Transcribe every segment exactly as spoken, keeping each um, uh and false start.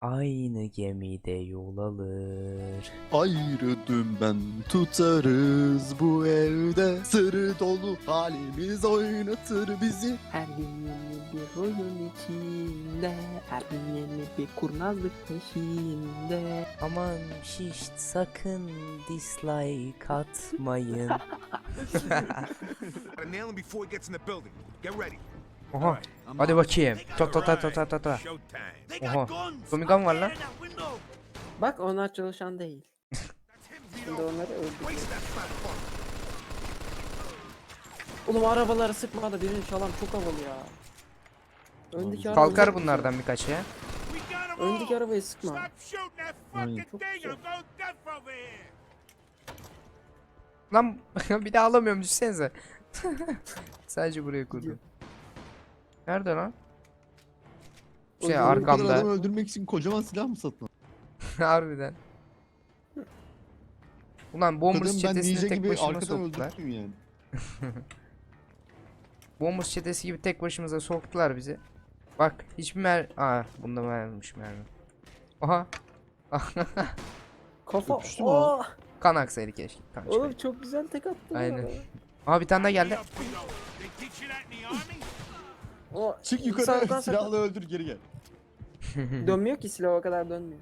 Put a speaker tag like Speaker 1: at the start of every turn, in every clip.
Speaker 1: Aynı gemide yol alır.
Speaker 2: Ayrı dümen tutarız bu evde. Sırrı dolu halimiz oynatır bizi.
Speaker 3: Her gün yeni bir oyun içinde, her gün yeni bir kurnazlık peşinde.
Speaker 1: Aman şişt, sakın dislike atmayın.
Speaker 4: Gotta nail him before he gets in the building. Get ready.
Speaker 1: Oha. Hadi bakayım. Ta ta ta ta ta ta ta.
Speaker 4: Showtime.
Speaker 1: Oha. Tommy gun var lan.
Speaker 3: Bak onlar çalışan değil. Şimdi onları öldürdüm.
Speaker 4: Waste that fat fuck.
Speaker 3: Oğlum arabaları sıkma da birini çalan çok havalı ya. Öndeki arabayı
Speaker 1: Kalkar
Speaker 3: sıkma.
Speaker 1: bunlardan birkaç ya.
Speaker 4: We got him all.
Speaker 3: Öndeki arabayı sıkma.
Speaker 4: Stop shooting that
Speaker 2: Aynen.
Speaker 4: fucking
Speaker 3: Çok
Speaker 4: thing.
Speaker 3: güzel.
Speaker 4: I'm going deaf over here.
Speaker 1: Lan bir daha alamıyorum, düşsenize. Sadece buraya kurdum. Nerede lan? Şey
Speaker 2: O zaman bu kadar adam
Speaker 1: arkamda.
Speaker 2: öldürmek için kocaman silah mı satın?
Speaker 1: Harbiden. Ulan Bombers
Speaker 2: Kadın ben
Speaker 1: çetesini
Speaker 2: ninja
Speaker 1: tek
Speaker 2: gibi
Speaker 1: başıma
Speaker 2: arkadan
Speaker 1: soktular.
Speaker 2: öldürttüm yani.
Speaker 1: Bombers çetesi gibi tek başımıza soktular bizi. Bak hiçbir mer... Aa bunda mermiş mermi. Aha.
Speaker 3: Kafa.
Speaker 2: Öpüştü mü
Speaker 3: Oo!
Speaker 1: Kan aksaydı keşke. Kan
Speaker 3: Oğlum
Speaker 1: çıkaydı.
Speaker 3: çok güzel tek attın.
Speaker 1: Aynen.
Speaker 3: ya.
Speaker 1: Aha bir tane daha geldi.
Speaker 4: Up, Vito. They teach you that in the army?
Speaker 3: O
Speaker 2: Çık yukarı
Speaker 3: sağdan
Speaker 2: silahla
Speaker 3: sağdan.
Speaker 2: öldür geri gel.
Speaker 3: Dönmüyor ki silah o kadar dönmüyor.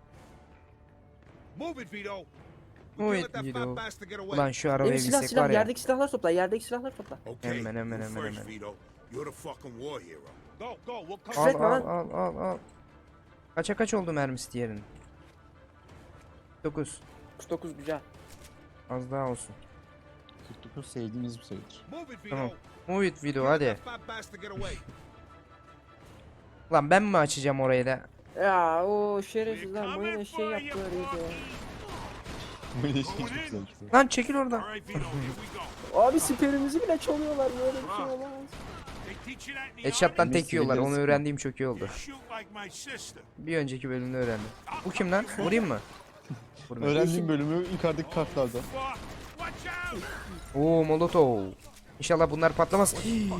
Speaker 4: Move it, Vito. We
Speaker 1: Move
Speaker 4: can't
Speaker 1: it,
Speaker 4: let that
Speaker 1: Vito.
Speaker 4: fat bastard get away.
Speaker 1: Ulan şu arabaya
Speaker 3: Benim silah
Speaker 1: bilsek
Speaker 3: silah
Speaker 1: var ya.
Speaker 3: yerdeki silahlar topla yerdeki silahlar topla.
Speaker 4: Okay,
Speaker 1: Hemen, hemen,
Speaker 4: you
Speaker 1: hemen,
Speaker 4: first,
Speaker 1: hemen.
Speaker 4: Vito. You're the fucking war hero. Go, go. We'll come.
Speaker 1: Al
Speaker 3: Küfretme
Speaker 1: al
Speaker 3: lan.
Speaker 1: al al al. Kaça kaç oldu mermisi diğerinin? dokuz.
Speaker 3: kırk dokuz güzel.
Speaker 1: Az daha olsun.
Speaker 2: kırk dokuz sevdiğimiz bir sayıdır.
Speaker 4: Move it, Vito.
Speaker 1: Tamam. Move it video
Speaker 4: Can't let
Speaker 1: hadi.
Speaker 4: that fat bastard get away.
Speaker 1: Lan ben mi açacağım orayı da?
Speaker 3: Ya o
Speaker 4: We're
Speaker 3: şerefsizler
Speaker 4: coming
Speaker 3: mayına şey
Speaker 4: for you,
Speaker 3: yaptılar iyice.
Speaker 4: Porky.
Speaker 2: Böyle şey çok güzel.
Speaker 1: Lan çekil oradan.
Speaker 4: All right, Vito. Here we go.
Speaker 3: Abi siperimizi bile çalıyorlar böyle bir şey olamaz.
Speaker 4: They teach you that in the
Speaker 1: Headshot'tan
Speaker 4: army?
Speaker 1: tek yiyorlar. Onu
Speaker 2: Biliriz.
Speaker 1: öğrendiğim çok iyi
Speaker 4: You
Speaker 1: oldu.
Speaker 4: shoot like my sister.
Speaker 1: Bir önceki bölümde öğrendim. Bu kim lan? Vurayım mı? Vurmayayım.
Speaker 2: Öğrendiğim bölümü yukarıdaki kartlarda.
Speaker 4: Fuck. Watch out.
Speaker 1: Oo molotov. İnşallah bunlar patlamaz.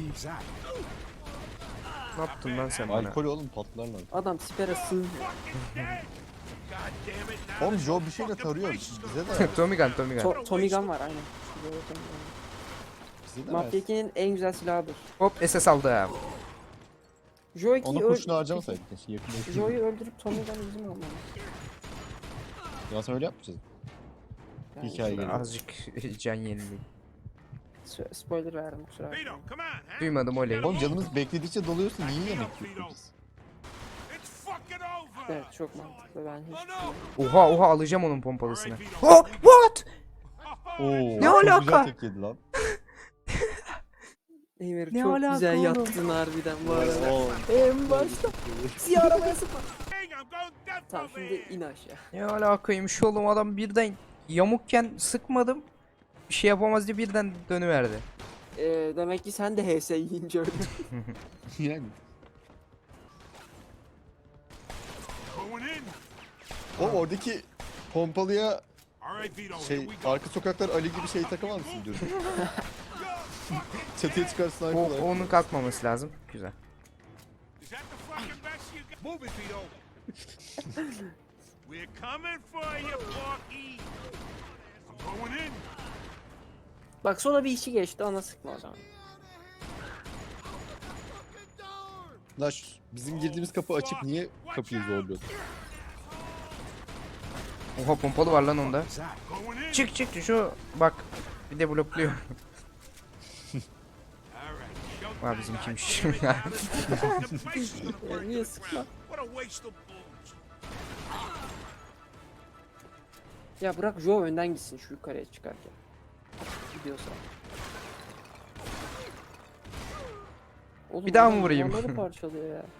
Speaker 1: Ne yaptın lan sen bana?
Speaker 2: Alkol oğlum patlarlar.
Speaker 3: Adam sipere sığmıyor.
Speaker 4: Dead. God damn it. Now
Speaker 2: Oğlum
Speaker 4: this
Speaker 2: Joe bir şeyle
Speaker 4: fucking
Speaker 2: tarıyor.
Speaker 4: place is
Speaker 2: Bize de
Speaker 1: Tommy gun, Tommy gun.
Speaker 3: To Tommy Gun var aynen. Şurada da Tommy Gun var.
Speaker 2: bize de
Speaker 3: Mafya
Speaker 2: versin.
Speaker 3: ikinin en güzel silahıdır.
Speaker 1: Hop S S aldım.
Speaker 3: Joe
Speaker 2: Ona
Speaker 3: ikiyi
Speaker 2: kurşunu
Speaker 3: öl...
Speaker 2: harcamasaydık keşke yakında.
Speaker 3: Joe'yu öldürüp Tommy Gun'ı bizim almamız.
Speaker 2: Ya sen öyle yapmayacağız.
Speaker 3: Yani
Speaker 2: Hikaye
Speaker 3: Joe-
Speaker 2: geliyor.
Speaker 1: Azıcık can yeniliği.
Speaker 3: Spo- Spoiler verdim kusura
Speaker 4: Vito,
Speaker 3: bakma.
Speaker 4: come on. huh?
Speaker 1: Duymadım oley.
Speaker 2: Oğlum canımız bekledikçe doluyorsa niye yemek yiyoruz?
Speaker 4: It's fucking over.
Speaker 3: Evet çok mantıklı ben hiç...
Speaker 4: Oh no.
Speaker 1: Oha oha alacağım onun pompalısını. Oh what?
Speaker 2: Oo,
Speaker 1: Ne
Speaker 2: çok
Speaker 1: alaka?
Speaker 2: güzel tek yedi lan.
Speaker 3: Emir
Speaker 1: Ne
Speaker 3: çok
Speaker 1: alaka
Speaker 3: güzel
Speaker 1: oğlum?
Speaker 3: yattın harbiden bu arada.
Speaker 2: Oo.
Speaker 3: En başta siyah arabaya sıkma.
Speaker 4: Hey, I'm going deaf
Speaker 3: Tamam
Speaker 4: over
Speaker 3: şimdi
Speaker 4: here.
Speaker 3: in aşağı.
Speaker 1: Ne alakaymış oğlum, adam birden yamukken sıkmadım. Bir şey yapamaz diye birden dönüverdi.
Speaker 3: Ee, demek ki sen de H S yiyince öldün.
Speaker 2: Yani.
Speaker 4: Going in.
Speaker 2: O oradaki pompalıya
Speaker 4: All right, Vito. Here
Speaker 2: şey
Speaker 4: we go.
Speaker 2: arka sokaklar Ali gibi şey takamaz mısın diyorum. Çatıya çıkarsın
Speaker 1: O,
Speaker 2: arkalar.
Speaker 1: onun kalkmaması lazım. Güzel.
Speaker 4: Is that the fucking best you got? Move it, Vito. We're coming for you, Porky. I'm going in.
Speaker 3: Bak sonra bir işi geçti ona sıkma o zaman.
Speaker 2: Lan şu- bizim girdiğimiz kapı açık, niye kapıyı zorluyorsun?
Speaker 1: Oha pompalı var lan onda.
Speaker 4: Going in.
Speaker 1: Çık çık şu bak. Bir de blokluyor.
Speaker 4: All right. Showtime,
Speaker 1: Var bizim kimmiş.
Speaker 4: God damn it. The place is gonna burn
Speaker 3: Ya
Speaker 4: to
Speaker 3: niye
Speaker 4: the
Speaker 3: sıkma?
Speaker 4: ground. What a waste of booze.
Speaker 3: Ya bırak Joe önden gitsin şu yukarıya çıkarken. Gidiyorsa. Oğlum
Speaker 1: Bir daha mı
Speaker 3: adam
Speaker 1: vurayım?
Speaker 3: duvarları parçalıyor ya. Abi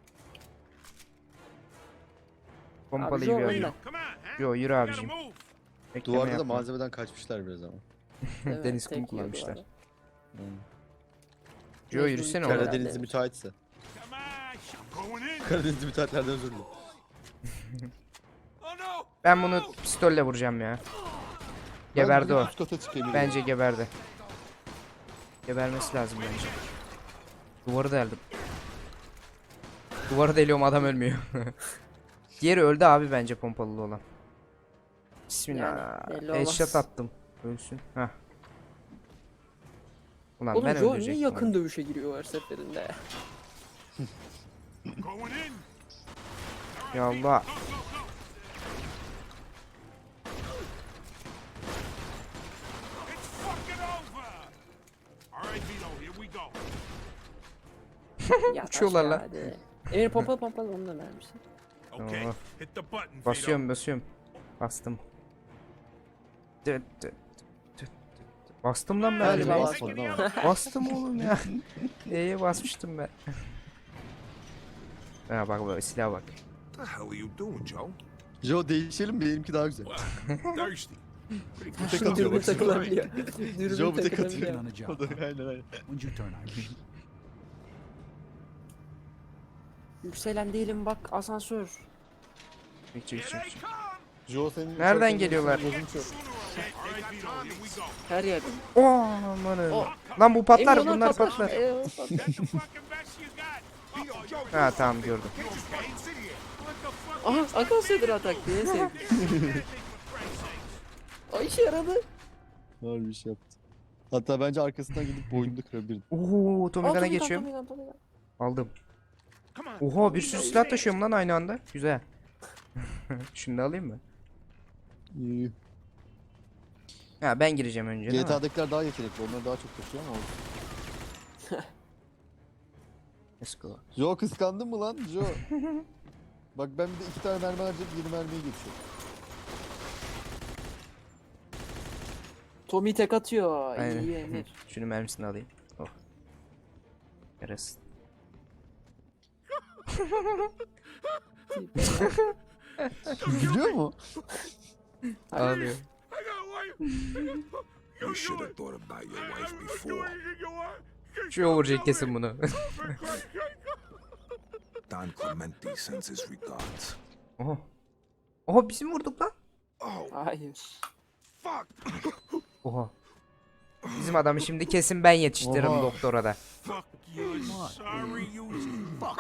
Speaker 1: Pompalıyı
Speaker 3: Joe
Speaker 1: bir
Speaker 3: önden.
Speaker 1: alayım.
Speaker 4: Come on, huh?
Speaker 1: Yo yürü
Speaker 4: Gotta
Speaker 1: abicim.
Speaker 4: move.
Speaker 1: Bekleme
Speaker 2: Duvarda da
Speaker 1: yapma.
Speaker 2: malzemeden kaçmışlar biraz ama.
Speaker 3: Evet,
Speaker 1: Deniz
Speaker 3: tek
Speaker 1: kumu
Speaker 3: yiyor
Speaker 1: kullanmışlar.
Speaker 3: duvara.
Speaker 1: Yo yürüsene oğlum.
Speaker 2: Karadenizli müteahhitse.
Speaker 4: Come on. sh- Going in.
Speaker 2: Karadenizli müteahhitlerden özür dilerim.
Speaker 4: Oh no.
Speaker 1: Ben bunu pistolle vuracağım ya.
Speaker 2: Ben
Speaker 1: Geberdi
Speaker 2: direkt
Speaker 1: o.
Speaker 2: üst kata çıkayım.
Speaker 1: Bence geberdi. Gebermesi lazım bence. Duvarı deldim. Duvarı deliyorum, adam ölmüyor. Diğeri öldü abi bence pompalı olan. Bismillah.
Speaker 3: Yani belli olmaz.
Speaker 1: Headshot attım. Ölsün. Heh. Ulan
Speaker 3: Oğlum
Speaker 1: ben
Speaker 3: Joe niye
Speaker 1: öldürecektim
Speaker 3: yakın
Speaker 1: onu.
Speaker 3: dövüşe giriyor her seferinde?
Speaker 4: I'm going in.
Speaker 1: Ya Allah.
Speaker 4: Go, go, go. It's fucking over. All right, Vito, here we go.
Speaker 3: Ya
Speaker 1: Uçuyorlar lan.
Speaker 3: hadi. Emir pompalı pompalı onu da vermişsin.
Speaker 4: Okay,
Speaker 1: Oh.
Speaker 4: hit the button, Vito.
Speaker 1: Basıyorum basıyorum. Bastım. Dıt dıt dıt dıt dıt. Bastım lan ben.
Speaker 2: Galiba
Speaker 1: E'ye.
Speaker 2: basmadın ama.
Speaker 1: Bastım oğlum ya. E'ye basmıştım ben. Ha bak bak silah bak.
Speaker 4: What the hell are you doing, Joe?
Speaker 2: Joe değişelim mi? Benimki daha güzel.
Speaker 4: Thirsty. Pretty good
Speaker 2: Tek
Speaker 4: stuff.
Speaker 2: atıyor
Speaker 3: Dürbün
Speaker 2: bak.
Speaker 3: takılabiliyor.
Speaker 2: Joe
Speaker 3: Dürbün
Speaker 2: bir tek
Speaker 3: takılabiliyor.
Speaker 2: atıyor.
Speaker 5: on the job.
Speaker 2: O da aynen aynen.
Speaker 5: When's your turn, Irish?
Speaker 3: Yükselen değilim bak asansör.
Speaker 1: Çık çık
Speaker 4: Here
Speaker 1: çık.
Speaker 4: they
Speaker 1: çık.
Speaker 4: come.
Speaker 2: Joe senin
Speaker 1: Nereden
Speaker 2: uçarken
Speaker 1: geliyorlar?
Speaker 2: gözün çok.
Speaker 4: All right, Vito, here we go.
Speaker 3: Her yerde.
Speaker 1: Oo amanın.
Speaker 3: O-
Speaker 1: Lan bu patlar
Speaker 3: Emir,
Speaker 1: bunlar
Speaker 3: patlar.
Speaker 1: patlar.
Speaker 3: Ee, o patlar.
Speaker 4: Get the fucking best you got. Vito, Joe,
Speaker 1: Ha tamam gördüm.
Speaker 4: you okay? Sit here. What the fuck?
Speaker 3: Aha akıl sedir atak diye sevdim. O işe yaradı.
Speaker 2: Var bir şey yaptı. Hatta bence arkasından gidip boynunu kırabilirdim.
Speaker 1: Oo
Speaker 3: Aa,
Speaker 1: Tomigan'a
Speaker 3: Tommy Gun,
Speaker 1: geçiyorum.
Speaker 3: Tommy Gun, Tommy Gun.
Speaker 1: Aldım.
Speaker 4: Come on.
Speaker 1: Oha bir sürü silah taşıyorum lan aynı anda. Güzel. Şunu da alayım mı?
Speaker 2: İyi.
Speaker 1: Ha ben gireceğim önce değil
Speaker 2: G T
Speaker 1: mi?
Speaker 2: A'dakiler daha yetenekli. Onlar daha çok taşıyor ama olsun.
Speaker 1: Let's go.
Speaker 2: Joe kıskandın mı lan Joe? Bak ben bir de iki tane mermi harcayıp yeni mermiye geçiyorum.
Speaker 3: Tommy tek atıyor.
Speaker 1: Aynen.
Speaker 3: İyi Emir.
Speaker 1: Şunu mermisini alayım. Oh. Yarasın.
Speaker 2: Gülüyor mu?
Speaker 1: Ağlıyor.
Speaker 4: I got wife. You should have thought about your wife before.
Speaker 1: Şu vuracak kesin bunu.
Speaker 4: Don Clemente sends his regards.
Speaker 1: Oha. Oha bizim vurduk lan.
Speaker 4: Oh,
Speaker 3: Hayır.
Speaker 4: fuck.
Speaker 1: Oha. Bizim adamı şimdi kesin ben yetiştiririm
Speaker 2: Oha.
Speaker 1: doktora da.
Speaker 4: Fuck you. Sorry, you. Fuck.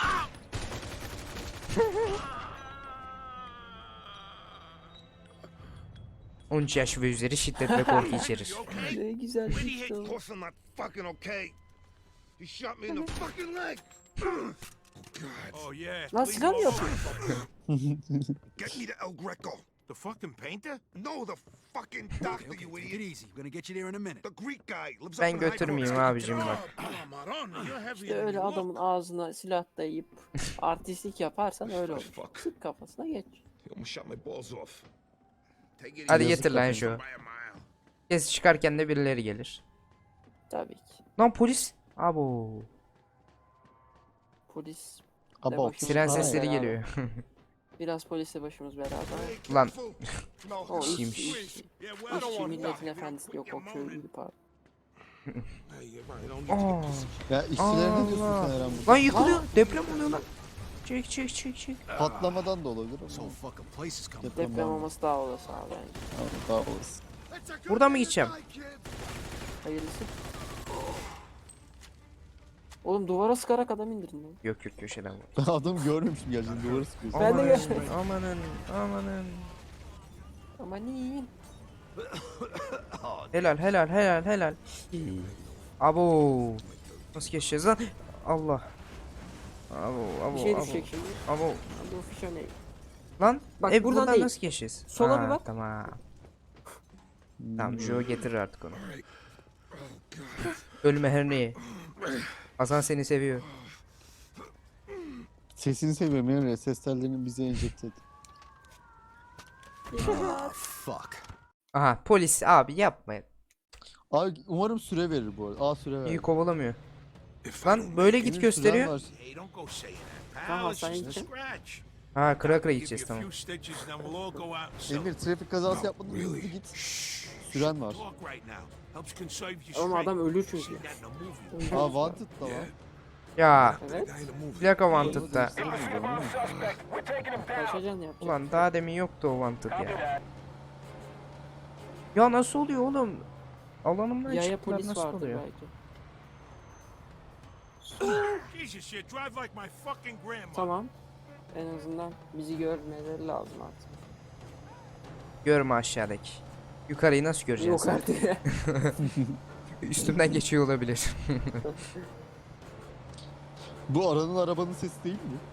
Speaker 1: on üç yaş ve üzeri şiddet ve korku içerir.
Speaker 4: You okay?
Speaker 3: Ne güzel
Speaker 6: When he
Speaker 3: çıktı.
Speaker 6: hit Close, I'm not fucking okay. He shot me in the fucking leg.
Speaker 4: Oh yeah.
Speaker 3: Lan
Speaker 4: Leave
Speaker 3: silah mı
Speaker 4: him
Speaker 3: yapıyor?
Speaker 4: alone.
Speaker 6: Get me to El Greco.
Speaker 4: The fucking painter?
Speaker 6: No, the fucking
Speaker 5: Okay,
Speaker 6: doctor,
Speaker 5: okay,
Speaker 6: you
Speaker 5: take it
Speaker 6: idiot.
Speaker 5: easy. We're gonna get you there in a minute.
Speaker 6: The Greek guy lives up
Speaker 1: Ben
Speaker 6: in High
Speaker 1: götürmeyeyim
Speaker 6: Coast.
Speaker 1: abicim bak.
Speaker 6: Oh, Maradona, you're heavier
Speaker 3: İşte
Speaker 6: than
Speaker 3: öyle
Speaker 6: you look.
Speaker 3: adamın ağzına silah dayayıp artistlik yaparsan öyle olur.
Speaker 6: Fuck.
Speaker 3: Sık kafasına geç.
Speaker 6: He almost shot my balls off. Take it
Speaker 1: Hadi
Speaker 6: easy.
Speaker 1: getir lan
Speaker 6: By
Speaker 1: şu.
Speaker 6: a mile.
Speaker 1: Kes çıkarken de birileri gelir.
Speaker 3: Tabii ki.
Speaker 1: Lan polis. Abo.
Speaker 3: Polis.
Speaker 2: Abo.
Speaker 3: başımız
Speaker 1: Siren
Speaker 3: beraber.
Speaker 1: sesleri geliyor.
Speaker 3: Biraz polisle başımız beraber.
Speaker 6: Hey,
Speaker 1: Lan.
Speaker 6: careful. No,
Speaker 3: O iş,
Speaker 1: İşiymiş.
Speaker 3: iş,
Speaker 4: Yeah, well, I don't
Speaker 3: işçi
Speaker 4: want
Speaker 3: milletin
Speaker 4: that.
Speaker 3: efendisi yok o köylüydü pardon.
Speaker 4: Hey, you're right. I don't need to
Speaker 1: Aa.
Speaker 4: get this.
Speaker 2: Ya işçilere ne diyorsun
Speaker 1: Allah.
Speaker 2: sen Eren burada?
Speaker 1: Lan yıkılıyor. Deprem oluyor lan. Çek çek çek çek.
Speaker 2: Patlamadan da olabilir
Speaker 5: So
Speaker 2: ama.
Speaker 5: fucking place is coming.
Speaker 2: Deprem
Speaker 3: Deprem
Speaker 2: var.
Speaker 3: olması daha olası abi bence.
Speaker 2: Abi, daha olsun.
Speaker 1: Buradan mı gideceğim?
Speaker 3: Hayırlısı. Oğlum duvara sıkarak adam indirin lan.
Speaker 1: Yok yok köşeden vur.
Speaker 2: Ben adamı görmemişim gerçekten duvara sıkıyorsun.
Speaker 3: Ben de
Speaker 1: Amanın,
Speaker 3: görmedim.
Speaker 1: Amanın amanın.
Speaker 3: Aman iyi.
Speaker 1: Helal helal helal helal. Abo. Nasıl geçeceğiz lan? Allah. Abo abo
Speaker 3: Bir şey
Speaker 1: abo.
Speaker 3: düşecek şimdi.
Speaker 1: Abo.
Speaker 3: Hadi o fişe ne?
Speaker 1: Lan
Speaker 3: Bak,
Speaker 1: e,
Speaker 3: buradan
Speaker 1: buradan
Speaker 3: değil.
Speaker 1: nasıl geçeceğiz?
Speaker 3: Sola
Speaker 1: Ha,
Speaker 3: bir bak.
Speaker 1: Tamam.
Speaker 2: Hmm.
Speaker 1: Tamam Joe getirir artık onu. Ölme her neyi. Hasan seni seviyor.
Speaker 2: Sesini seviyorum Emre. Ses tellerini bize enjekte et.
Speaker 5: Ah, fuck.
Speaker 1: Aha polis abi yapmayın.
Speaker 2: Abi umarım süre verir bu arada. Aa süre
Speaker 1: İyi
Speaker 2: verir.
Speaker 1: kovalamıyor.
Speaker 4: If I
Speaker 1: Lan
Speaker 4: don't
Speaker 1: böyle
Speaker 4: make
Speaker 1: git
Speaker 2: Emir,
Speaker 1: gösteriyor.
Speaker 2: süren var.
Speaker 4: Hey, don't go saying that,
Speaker 3: Tamam,
Speaker 4: pal. It's
Speaker 3: sen
Speaker 4: just a
Speaker 3: gideceksin.
Speaker 4: scratch.
Speaker 1: Ha kıra kıra
Speaker 4: Give
Speaker 1: gideceğiz
Speaker 4: you a
Speaker 1: tamam.
Speaker 4: few stitches, then we'll all go out and sell.
Speaker 2: Emir trafik kazası
Speaker 4: No,
Speaker 2: yapmadın hızlı
Speaker 4: really.
Speaker 2: git.
Speaker 4: Shh.
Speaker 2: Süren var.
Speaker 4: Talk right now. Helps conserve your
Speaker 3: Oğlum
Speaker 4: strength.
Speaker 3: adam ölür
Speaker 4: See
Speaker 3: çünkü.
Speaker 4: that in a movie.
Speaker 2: Aa wanted da var.
Speaker 1: Ya
Speaker 3: Evet.
Speaker 4: Guy in the movie.
Speaker 1: plaka wanted da.
Speaker 3: Kaçacaksın yapacak.
Speaker 1: Ulan daha demin yoktu o wanted ya. Ya nasıl oluyor oğlum? Alanımdan
Speaker 3: Yaya
Speaker 1: çıktılar
Speaker 3: polis
Speaker 1: nasıl
Speaker 3: vardır
Speaker 1: oluyor?
Speaker 3: belki.
Speaker 4: Jesus shit, drive like my fucking grandma.
Speaker 3: Tamam. En azından bizi görmeleri lazım artık.
Speaker 1: Görme aşağıdaki. Yukarıyı nasıl göreceğiz?
Speaker 3: Yok artık ya.
Speaker 1: Üstümden geçiyor olabilir.
Speaker 2: Bu aranın arabanın sesi değil mi?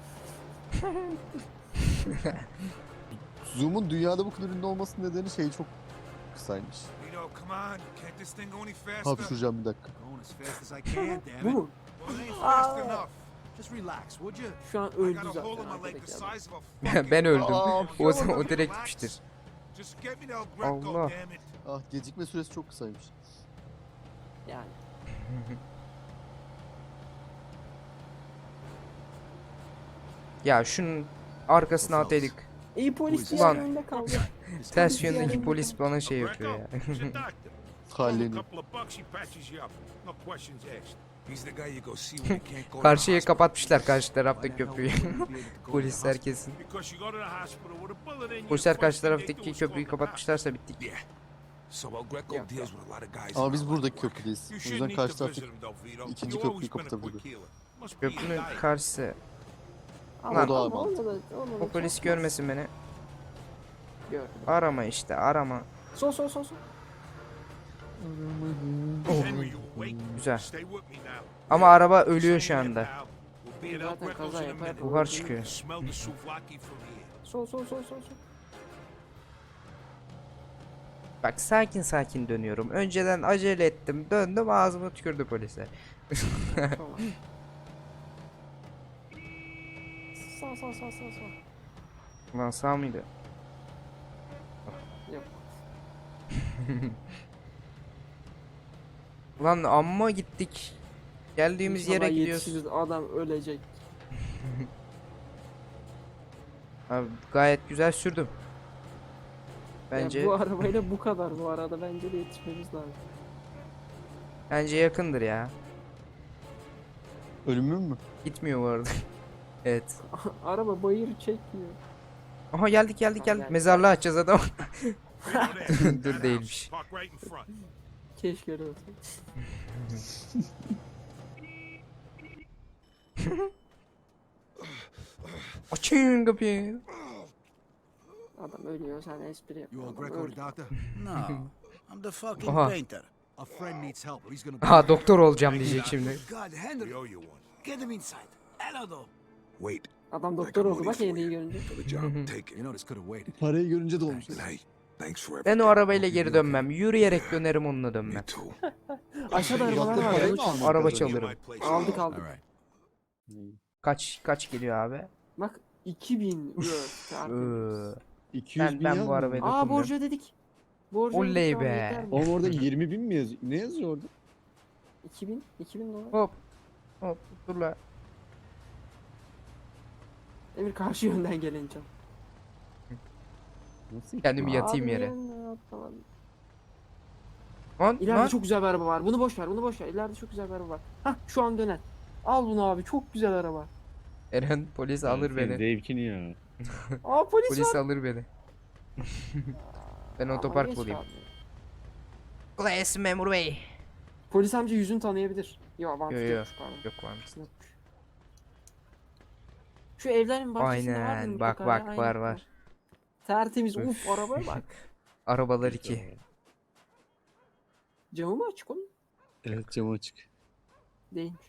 Speaker 2: Zoom'un dünyada bu kadar ünlü olmasının nedeni şey çok kısaymış.
Speaker 6: Vito, come on. Can't this thing go any faster?
Speaker 2: Hapşuracağım bir dakika.
Speaker 5: Going as fast as I can, damn
Speaker 3: Bu
Speaker 5: it.
Speaker 3: mu?
Speaker 6: Well, it ain't fast
Speaker 3: Aa.
Speaker 6: enough.
Speaker 5: Just relax, would you?
Speaker 3: Şu an
Speaker 6: I
Speaker 3: öldü
Speaker 6: got a
Speaker 3: zaten
Speaker 6: hole in my leg the
Speaker 3: arkadaki adam.
Speaker 6: size of a fucking...
Speaker 1: Ben öldüm.
Speaker 2: Aa,
Speaker 1: O zaman o direkt gitmiştir.
Speaker 6: Just get me to El Greco,
Speaker 1: Allah.
Speaker 6: damn it.
Speaker 2: Ah, gecikme süresi çok kısaymış.
Speaker 3: Yani.
Speaker 1: Ya şunun arkasına ataydık.
Speaker 3: İyi polis
Speaker 1: Ulan.
Speaker 3: diğer önünde kaldı.
Speaker 1: Ters yöndeki polis bana şey yapıyor ya.
Speaker 6: Greco, he's a doctor.
Speaker 2: Halleni.
Speaker 6: A couple of bucks, he patches you up. No questions asked. He's the guy you go see when you can't go to the
Speaker 1: Karşıya
Speaker 6: hospital.
Speaker 1: kapatmışlar karşı
Speaker 5: Why
Speaker 1: tarafta
Speaker 5: the hell
Speaker 1: köprüyü.
Speaker 5: would we be able to go to the
Speaker 1: Polisler
Speaker 5: hospital?
Speaker 1: kesin.
Speaker 6: Because you go to the hospital with a bullet in you,
Speaker 1: Polisler
Speaker 6: first
Speaker 1: karşı
Speaker 6: thing they do
Speaker 1: taraftaki
Speaker 6: is
Speaker 1: köprüyü
Speaker 6: call the cops.
Speaker 1: kapatmışlarsa bittik.
Speaker 6: Yeah. So El Greco
Speaker 3: Yeah.
Speaker 6: deals with a lot of guys.
Speaker 2: Ama
Speaker 6: in
Speaker 2: biz
Speaker 6: our
Speaker 2: buradaki
Speaker 6: network.
Speaker 2: köprüdeyiz.
Speaker 6: You
Speaker 2: O
Speaker 6: shouldn't
Speaker 2: yüzden
Speaker 6: need
Speaker 2: karşı
Speaker 6: to
Speaker 2: tarafta
Speaker 6: visit him though, Vito.
Speaker 2: ikinci
Speaker 6: You always
Speaker 2: köprüyü
Speaker 6: been a quick
Speaker 2: kapatabilir.
Speaker 6: healer. Must be your
Speaker 1: Köprünün
Speaker 6: diet.
Speaker 1: karşısı.
Speaker 3: Ama
Speaker 1: Lan.
Speaker 2: O da
Speaker 3: ama
Speaker 2: mantıklı.
Speaker 3: onu da- onu da
Speaker 1: O polis
Speaker 3: çok-
Speaker 1: görmesin beni.
Speaker 3: Gördüm.
Speaker 1: Arama işte arama.
Speaker 3: Sol sol sol sol.
Speaker 6: Henry, you awake?
Speaker 1: Güzel.
Speaker 6: Stay with me now.
Speaker 1: Ama araba ölüyor şu anda.
Speaker 6: We'll be at El
Speaker 3: Zaten
Speaker 6: Greco's
Speaker 3: kaza
Speaker 6: in a
Speaker 3: yapar.
Speaker 6: minute.
Speaker 1: Buhar çıkıyor.
Speaker 6: Smell the souvlaki from here.
Speaker 3: Sol sol sol sol sol.
Speaker 1: Bak sakin sakin dönüyorum. Önceden acele ettim. Döndüm ağzıma tükürdü polisler.
Speaker 3: Tamam. Sağ sağ sağ sağ sağ.
Speaker 1: Lan sağ mıydı?
Speaker 3: Yok.
Speaker 1: Lan amma gittik. Geldiğimiz yere
Speaker 3: İnşallah
Speaker 1: gidiyoruz.
Speaker 3: yetişiriz, adam ölecek.
Speaker 1: Abi, gayet güzel sürdüm. Bence
Speaker 3: Ya bu arabayla bu kadar bu arada bence de yetişmemiz lazım.
Speaker 1: bence yakındır ya.
Speaker 2: Ölümün mü?
Speaker 1: Gitmiyor bu arada. Evet.
Speaker 3: Araba bayır çekmiyor.
Speaker 1: Aha geldik geldik
Speaker 3: Ha,
Speaker 1: geldik.
Speaker 3: geldik.
Speaker 1: Mezarlığı açacağız adam.
Speaker 6: Right over there.
Speaker 1: Dur
Speaker 6: That
Speaker 1: değilmiş.
Speaker 6: house. Park right in front.
Speaker 3: Keşke öyle olsa.
Speaker 1: Açın kapıyı.
Speaker 3: Adam ölüyor sen espri
Speaker 5: You
Speaker 3: yapıyorsun.
Speaker 5: all
Speaker 3: Adam
Speaker 5: Greco
Speaker 3: öldü.
Speaker 5: the doctor?
Speaker 7: No, I'm the fucking
Speaker 1: Aha.
Speaker 7: painter.
Speaker 5: A friend needs help, but he's gonna be...
Speaker 1: Ha doktor olacağım diyecek şimdi.
Speaker 7: God,
Speaker 6: We
Speaker 7: Henry,
Speaker 6: owe you one.
Speaker 7: get him inside. Hello,
Speaker 6: Wait.
Speaker 3: Adam doktor oldu bak Henry'i görünce.
Speaker 6: For the job. Take it.
Speaker 5: You know, this could have waited.
Speaker 2: Parayı görünce de olmuş.
Speaker 6: Hey, thanks for
Speaker 1: Ben
Speaker 6: everything.
Speaker 1: o arabayla geri dönmem. Yürüyerek dönerim onunla
Speaker 6: Me
Speaker 1: dönmem.
Speaker 6: too.
Speaker 3: Aşağıda arabalar
Speaker 2: Yaptığı
Speaker 3: var.
Speaker 2: parayı
Speaker 3: onu
Speaker 2: mı
Speaker 3: çal-
Speaker 2: aldın?
Speaker 1: Araba
Speaker 2: Kazanıyor.
Speaker 1: çalırım.
Speaker 6: My place.
Speaker 3: Aldık
Speaker 5: All
Speaker 3: aldık.
Speaker 5: right.
Speaker 1: Kaç kaç geliyor abi?
Speaker 3: Bak iki bin worth.
Speaker 1: Iıı.
Speaker 2: iki yüz
Speaker 1: Ben
Speaker 2: bin
Speaker 1: ben bu
Speaker 2: yazmıyor.
Speaker 1: arabayı
Speaker 3: Aa
Speaker 1: dokunmuyorum.
Speaker 3: borcu ödedik. Borcu
Speaker 1: Oley
Speaker 3: ödedik, tamam,
Speaker 1: be.
Speaker 3: yeter mi?
Speaker 2: Oğlum orada yirmi bin mi yazıyor? Ne yazıyor orada?
Speaker 3: iki bin iki bin dolar.
Speaker 1: Hop. Hop dur la.
Speaker 3: Emir karşı yönden gelen can.
Speaker 2: Nasıl?
Speaker 1: Kendimi yatayım
Speaker 3: Abi
Speaker 1: yere.
Speaker 3: yönden atlamadım.
Speaker 1: Lan
Speaker 3: İleride
Speaker 1: lan.
Speaker 3: çok güzel bir araba var. Bunu boş ver, bunu boş ver. İleride çok güzel bir araba var. Hah şu an dönen. Al bunu abi. Çok güzel araba.
Speaker 1: Eren polis alır beni.
Speaker 2: Zevkini ya.
Speaker 3: Aa polis,
Speaker 1: Polis
Speaker 3: var.
Speaker 1: alır beni. Ben
Speaker 3: Ama
Speaker 1: otopark
Speaker 3: geç
Speaker 1: bulayım.
Speaker 3: abi.
Speaker 1: Kolay gelsin memur bey.
Speaker 3: Polis amca yüzünü tanıyabilir. Yok mantıklı
Speaker 1: Yo, yo.
Speaker 3: yokmuş pardon.
Speaker 1: Yok varmış.
Speaker 3: Yokmuş. Şu evlerin bahçesinde var
Speaker 1: Aynen,
Speaker 3: mı?
Speaker 1: bak,
Speaker 3: mutlaka?
Speaker 1: bak,
Speaker 3: Aynen,
Speaker 1: var, var.
Speaker 3: Tertemiz.
Speaker 1: Üf.
Speaker 3: Uf arabaya bak.
Speaker 1: Arabalar iki.
Speaker 3: Camı mı açık onun?
Speaker 2: Evet, cam açık.
Speaker 3: Değilmiş.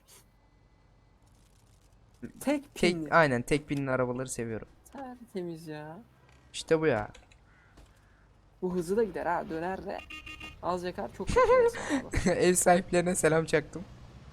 Speaker 3: Tek
Speaker 1: Tek
Speaker 3: pinli.
Speaker 1: aynen tek binli arabaları seviyorum.
Speaker 3: Tertemiz ya.
Speaker 1: İşte bu ya.
Speaker 3: Bu hızlı da gider ha. Döner de. Az yakar çok yakar.
Speaker 1: Ev sahiplerine selam çaktım.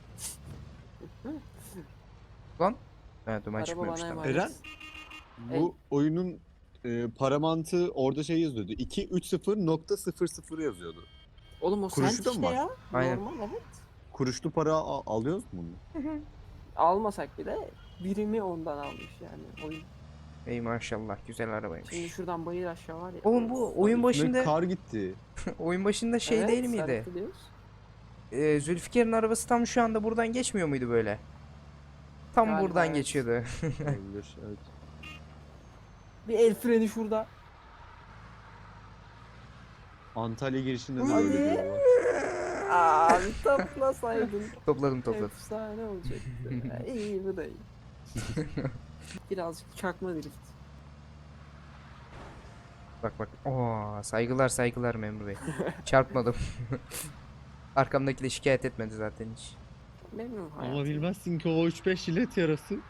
Speaker 1: Lan. Evet duman
Speaker 3: Araba
Speaker 1: çıkmıyormuş
Speaker 3: bana
Speaker 1: tamam.
Speaker 3: emanet.
Speaker 2: Eren? Bu oyunun e, para mantığı orada şey yazıyordu. iki yüz otuz nokta sıfır sıfır yazıyordu.
Speaker 3: Oğlum o
Speaker 2: Kuruşu
Speaker 3: sent
Speaker 2: da mı
Speaker 3: işte
Speaker 2: var?
Speaker 3: ya.
Speaker 1: Aynen.
Speaker 3: Normal evet.
Speaker 2: Kuruşlu para a- alıyoruz mu bunu?
Speaker 3: Almasak bile birimi ondan almış yani oyun.
Speaker 1: Ey maşallah güzel arabaymış.
Speaker 3: Şimdi şuradan bayır aşağı var ya.
Speaker 1: Oğlum bu oyun
Speaker 2: Üstüne
Speaker 1: başında
Speaker 2: kar gitti.
Speaker 1: oyun başında şey
Speaker 3: Evet,
Speaker 1: değil miydi?
Speaker 3: sarıklı diyoruz.
Speaker 1: Ee, Zülfikar'ın arabası tam şu anda buradan geçmiyor muydu böyle? Tam
Speaker 3: Galiba
Speaker 1: buradan
Speaker 3: evet.
Speaker 1: geçiyordu.
Speaker 2: Olabilir, evet.
Speaker 3: Bir el freni şurada.
Speaker 2: Antalya girişinde de
Speaker 3: Hadi.
Speaker 2: böyle bir yol var.
Speaker 3: Abi toplasaydın.
Speaker 1: Topladım topladım.
Speaker 3: Efsane olacaktı. iyi bu da iyi. Birazcık çakma drift.
Speaker 1: Bak bak. Oo, saygılar saygılar memur bey. Çarpmadım. Arkamdaki de şikayet etmedi zaten hiç.
Speaker 3: Memnun
Speaker 2: Ama
Speaker 3: hayatım.
Speaker 2: bilmezsin ki o üç beş jilet yarası.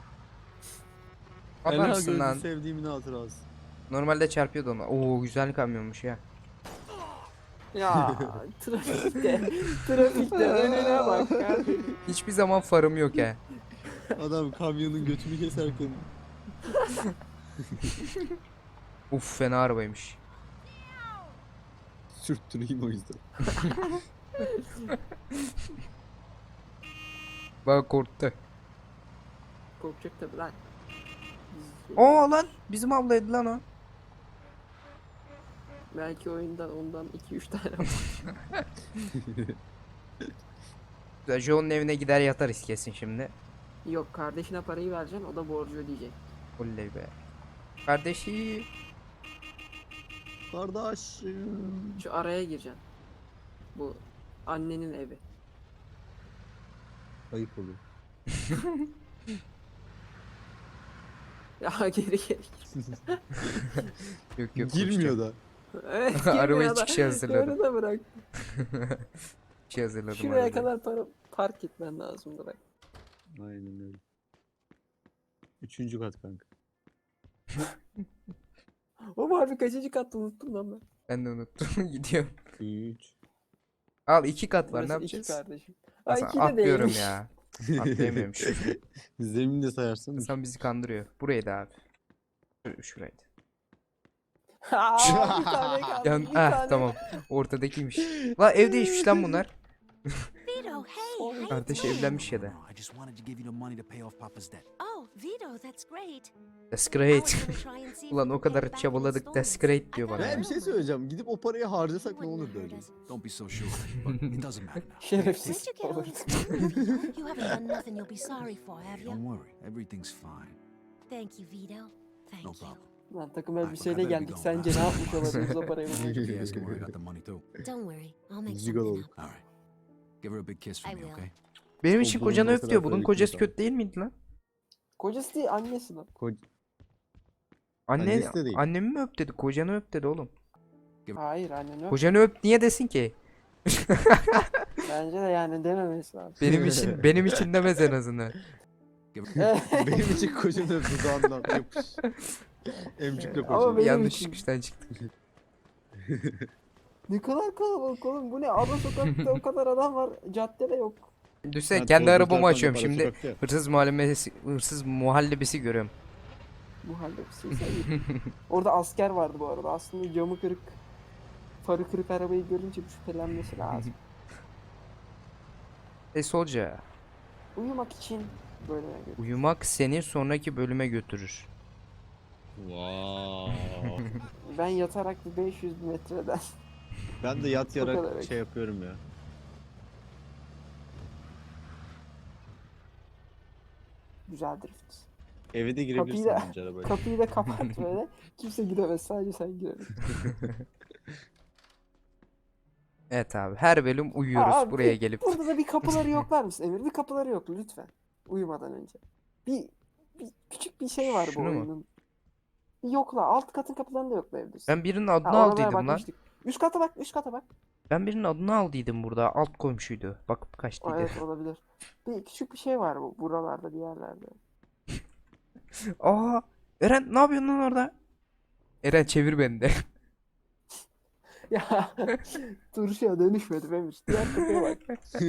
Speaker 2: Ela
Speaker 1: Adamsın
Speaker 2: gözlü
Speaker 1: lan.
Speaker 2: sevdiğimin hatırası.
Speaker 1: Normalde çarpıyordu ona. Oo güzel kamyonmuş ya.
Speaker 3: Ya trafikte, trafikte önüne bak kardeşim.
Speaker 1: Hiçbir zaman farım yok ya.
Speaker 2: Adam kamyonun götünü keserken.
Speaker 1: Uf fena arabaymış.
Speaker 2: Sürttüreyim o yüzden.
Speaker 1: Bak korktu.
Speaker 3: Korkacak tabi lan. Biz-
Speaker 1: Oo lan bizim ablaydı lan o.
Speaker 3: Belki oyundan ondan iki üç tane var.
Speaker 1: Güzel, Joe'nun evine gider yatarız kesin şimdi.
Speaker 3: Yok, kardeşine parayı vereceksin, o da borcu ödeyecek.
Speaker 1: Oley be. Kardeşi.
Speaker 2: Kardeşim.
Speaker 3: Şu araya gireceksin. Bu annenin evi.
Speaker 2: Ayıp oluyor.
Speaker 3: Ya geri geri gir.
Speaker 1: Yok yok.
Speaker 2: Girmiyor da.
Speaker 3: Evet,
Speaker 1: Arabayı
Speaker 3: girmiyor da.
Speaker 1: çıkışa hazırladım.
Speaker 3: Öyle de bırak.
Speaker 1: Şey hazırladım.
Speaker 3: Şuraya
Speaker 1: arabayı.
Speaker 3: kadar para, park etmen lazım bırak.
Speaker 2: Aynen öyle. Üçüncü kat kanka.
Speaker 3: O harbi kaçıncı kattı unuttum lan ben.
Speaker 1: Ben de unuttum. Gidiyorum.
Speaker 2: Üç.
Speaker 1: Al iki kat var, ne
Speaker 3: Burası iki
Speaker 1: yapacağız?
Speaker 3: kardeşim. Ay
Speaker 1: Hasan,
Speaker 3: iki de
Speaker 1: atlıyorum
Speaker 3: değilmiş.
Speaker 1: ya. Atlayamıyorum şu.
Speaker 2: Zemini de sayarsan. üç.
Speaker 1: Hasan bizi kandırıyor. Buraydı abi. Şur- Şuraydı.
Speaker 3: Aa, bir tane kaldı.
Speaker 1: Yan,
Speaker 3: bir
Speaker 1: ah
Speaker 3: tane.
Speaker 1: tamam. Ortadakiymiş. La ev değişmiş lan bunlar.
Speaker 8: Vito, hey, how you
Speaker 1: Kardeş
Speaker 8: doing?
Speaker 1: evlenmiş ya da.
Speaker 5: No, I just wanted to give you the money to pay off Papa's debt.
Speaker 8: Oh, Vito, that's great.
Speaker 1: That's
Speaker 8: I
Speaker 1: great.
Speaker 8: was gonna try and see if
Speaker 1: Ulan
Speaker 8: we
Speaker 1: o
Speaker 8: could pay
Speaker 1: kadar
Speaker 8: it back in
Speaker 1: çabaladık. That's
Speaker 8: installments.
Speaker 1: great diyor
Speaker 8: I
Speaker 1: bana.
Speaker 8: got
Speaker 2: Ben
Speaker 8: a
Speaker 2: bir şey
Speaker 8: rumor.
Speaker 2: söyleyeceğim. Gidip o parayı harcasak ne
Speaker 8: Wouldn't
Speaker 2: olur
Speaker 8: have hurt
Speaker 2: böyle?
Speaker 8: us.
Speaker 5: Don't be so sure, but it doesn't matter now.
Speaker 3: Şerefsiz.
Speaker 8: Where'd you get all
Speaker 3: Olur.
Speaker 8: this money, Vito? You haven't done nothing you'll be sorry for, have you?
Speaker 5: Don't worry, everything's fine.
Speaker 8: Thank you, Vito. Thank
Speaker 5: No
Speaker 8: you.
Speaker 5: problem.
Speaker 3: Lan takım
Speaker 5: Ay,
Speaker 3: elbiseyle
Speaker 5: bak, haber
Speaker 3: geldik.
Speaker 5: bir
Speaker 3: Sence
Speaker 5: gol.
Speaker 3: ne yapmış olabiliriz o parayı bulmak için?
Speaker 5: You ask him where I got the money too.
Speaker 8: Don't worry, I'll make
Speaker 2: Gigolo.
Speaker 8: something up.
Speaker 5: All right. Give her a big kiss for
Speaker 8: I
Speaker 5: me,
Speaker 8: will.
Speaker 5: okay?
Speaker 1: Benim
Speaker 2: O
Speaker 1: için
Speaker 2: bunun
Speaker 1: kocanı
Speaker 2: o
Speaker 1: öp
Speaker 2: kadar
Speaker 1: diyor. Bunun
Speaker 2: tabii ki
Speaker 1: kocası
Speaker 2: tamam.
Speaker 1: kötü değil miydi lan?
Speaker 3: Kocası değil, annesi lan.
Speaker 2: Ko-
Speaker 1: Anne,
Speaker 2: Annesi de değil.
Speaker 1: annemi mi öp dedi? Kocanı öp dedi oğlum.
Speaker 3: Hayır, annen yok.
Speaker 1: Kocanı öp niye desin ki?
Speaker 3: Bence de yani dememesi lazım.
Speaker 1: Benim için benim için demez en azından.
Speaker 5: Give her...
Speaker 2: Benim için kocanın dudağından yapış. Emcikle
Speaker 3: Ama
Speaker 2: kocanı.
Speaker 3: benim
Speaker 1: Yanlış
Speaker 3: için.
Speaker 1: çıkıştan çıktık.
Speaker 3: Ne kadar kalabalık oğlum, bu ne? Ara sokakta o kadar adam var, caddede yok.
Speaker 1: Düşünsene
Speaker 2: Ben
Speaker 1: kendi
Speaker 2: doğru
Speaker 1: arabamı
Speaker 2: zaten
Speaker 1: açıyorum
Speaker 2: para
Speaker 1: şimdi.
Speaker 2: sokakta ya.
Speaker 1: Hırsız muhallebesi, hırsız muhallebisi görüyorum.
Speaker 3: Bu halde bir şey sayayım. Orada asker vardı bu arada. Aslında camı kırık, farı kırık arabayı görünce bir şüphelenmesi lazım.
Speaker 1: E solca.
Speaker 3: Uyumak için böyle yani.
Speaker 1: Uyumak seni sonraki bölüme götürür.
Speaker 2: Wow.
Speaker 3: Ben yatarak bir beş yüz metreden.
Speaker 2: Ben de yat
Speaker 3: O kadar
Speaker 2: yarak
Speaker 3: belki.
Speaker 2: şey yapıyorum ya.
Speaker 3: Güzel drift.
Speaker 2: Eve de girebilirsin
Speaker 3: Kapıyı da-
Speaker 2: bence arabayla.
Speaker 3: Kapıyı da kapat böyle. Kimse giremez, sadece sen girebilirsin.
Speaker 1: Evet abi her bölüm uyuyoruz
Speaker 3: Aa, abi,
Speaker 1: buraya
Speaker 3: bir-
Speaker 1: gelip.
Speaker 3: Burada da bir kapıları yoklar mısın Emir? Bir kapıları yok lütfen. Uyumadan önce. Bir, bir küçük bir şey var bu
Speaker 1: Şunu mu?
Speaker 3: oyunun. Bir yokla. Alt katın kapılarını da yoklayabilirsin.
Speaker 1: Ben birinin adını
Speaker 3: Ha, oralara
Speaker 1: aldıydım lan.
Speaker 3: bakmıştık. Üst kata bak, üst kata bak.
Speaker 1: Ben birinin adını aldıydım burada. Alt komşuydu. Bakıp
Speaker 3: Aa,
Speaker 1: kaçtıydı.
Speaker 3: evet olabilir. Bir küçük bir şey var bu buralarda, bir yerlerde.
Speaker 1: Aa, Eren ne yapıyorsun lan orada? Eren çevir beni de.
Speaker 3: Ya turşuya dönüşmedim Emir. Diğer kapıya bak.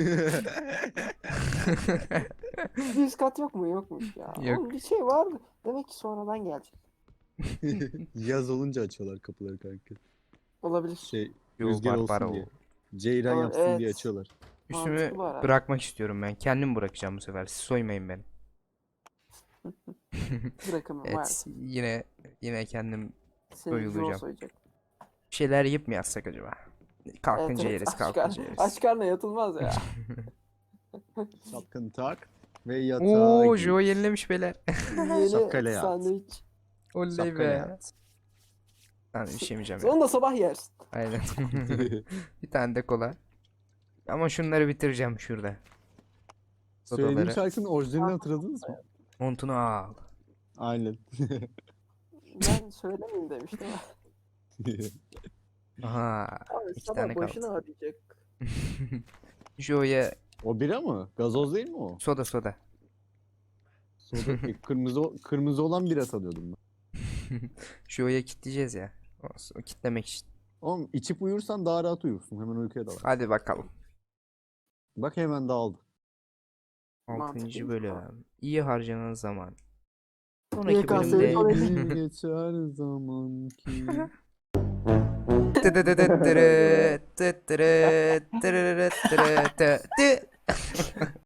Speaker 3: Bir üst kat yok mu? Yokmuş ya.
Speaker 1: Yok.
Speaker 3: Oğlum bir şey vardı. Demek ki sonradan gelecek.
Speaker 2: Yaz olunca açıyorlar kapıları kanka.
Speaker 3: Olabilir.
Speaker 2: Şey
Speaker 1: Yo,
Speaker 2: rüzgar
Speaker 1: Barbara
Speaker 2: olsun
Speaker 1: o.
Speaker 2: diye. Ceyran
Speaker 3: Aa,
Speaker 2: yapsın diye
Speaker 3: evet.
Speaker 2: açıyorlar.
Speaker 1: Üstümü
Speaker 3: Mantıklı bu arada.
Speaker 1: bırakmak istiyorum ben. Kendim bırakacağım bu sefer. Siz soymayın beni.
Speaker 3: Bırakın var.
Speaker 1: Evet yine yine kendim
Speaker 3: Seni
Speaker 1: doyulacağım.
Speaker 3: Joe soyacak.
Speaker 1: bir şeyler yiyip mi yatsak acaba? Kalkınca
Speaker 3: Evet, evet,
Speaker 1: yeriz
Speaker 3: aç
Speaker 1: kalkınca
Speaker 3: kar-
Speaker 1: yeriz.
Speaker 3: Aç karnına yatılmaz ya.
Speaker 2: Şapkanı tak ve yatağa
Speaker 1: Oo
Speaker 2: gir.
Speaker 1: Joe yenilemiş beyler.
Speaker 3: Yeni
Speaker 2: Şapkayla yat.
Speaker 3: sandviç.
Speaker 1: Oley
Speaker 2: Şapkayla
Speaker 1: be.
Speaker 2: yat.
Speaker 1: Ben bir şey yemeyeceğim ya.
Speaker 3: Onu da sabah yersin.
Speaker 1: Aynen. Bir tane de kola. Ama şunları bitireceğim şurada.
Speaker 2: Söylediğim
Speaker 1: Sodaları.
Speaker 2: şarkının orijinalini hatırladınız mı?
Speaker 1: Montunu al.
Speaker 2: Aynen.
Speaker 3: Ben söylemeyeyim demiştim.
Speaker 1: Aha.
Speaker 3: Abi
Speaker 1: İki
Speaker 3: sabah
Speaker 1: tane kaldı.
Speaker 3: başını arayacak.
Speaker 1: Joe'ya
Speaker 2: O bira mı? Gazoz değil mi o?
Speaker 1: soda soda.
Speaker 2: Soda, e, kırmızı kırmızı olan bira sanıyordum ben.
Speaker 1: Joe'ya kitleyeceğiz ya. O, o kitlemek için.
Speaker 2: Oğlum içip uyursan daha rahat uyursun. Hemen uykuya dalar.
Speaker 1: Hadi bakalım.
Speaker 2: Bak hemen dağıldı.
Speaker 1: Altıncı
Speaker 3: Mantıklıymış
Speaker 1: bölüm. İyi harcanan zaman.
Speaker 3: Y
Speaker 1: Sonraki
Speaker 3: K S
Speaker 1: bölümde
Speaker 3: sonra-
Speaker 2: Bir geçer zaman ki.
Speaker 1: Tıdıdıdıttırı, tıttırı, tırırırıttırı, tı- tı.